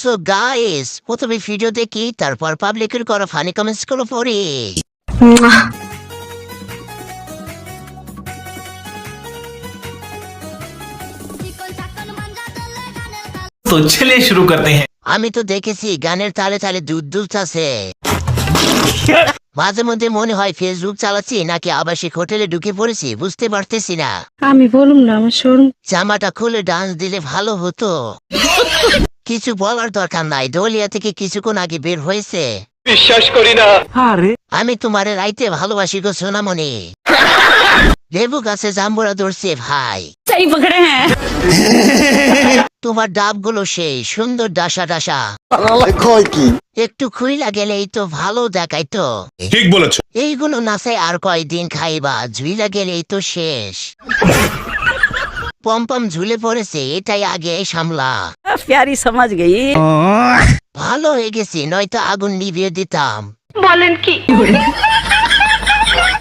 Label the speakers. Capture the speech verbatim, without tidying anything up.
Speaker 1: So guys, প্রথমে video দেখি, তারপর পাবলিকের করা ফানি কমেন্টস গুলো পড়ি।
Speaker 2: तो चलिए शुरू करते हैं।
Speaker 1: আমি তো দেখেছি গানের তালে তালে দুধ দুধছে। মাঝে মধ্যে মনে হয় ফেসবুক চালাচ্ছি নাকি আবাসিক হোটেলে ঢুকে পড়েছি, বুঝতে পারতেছি না।
Speaker 3: আমি বলুম না, আমার শোরুম।
Speaker 1: জামাটা খুলে ডান্স দিলে ভালো হতো। কিছু বলার দরকার নাই, দলিয়া থেকে কিছুক্ষণ আগে বের হয়েছে।
Speaker 2: বিশ্বাস করি না।
Speaker 1: আমি তোমারে রাইতে ভালোবাসি গো সোনামণি। লেবু গাছে জাম্বুরা ধরছে ভাই।
Speaker 3: সেই পকড়ে হ্যাঁ।
Speaker 1: তোমার ডাবগুলো সেই সুন্দর ডাসা ডাসা। একটু খুইলা গেলেই তো ভালো দেখাইতো।
Speaker 2: ঠিক বলেছো।
Speaker 1: এইগুলো নাচে আর কয়দিন খাইবা, ঝুইলা গেলেই তো শেষ। পম্পম ঝুলে পড়েছে, এটাই আগে সামলা।
Speaker 3: প্যারি সমাজ গই।
Speaker 1: ভালো হয়ে গেছি, নয়তো আগুন নিভিয়ে দিতাম।
Speaker 3: বলেন কি?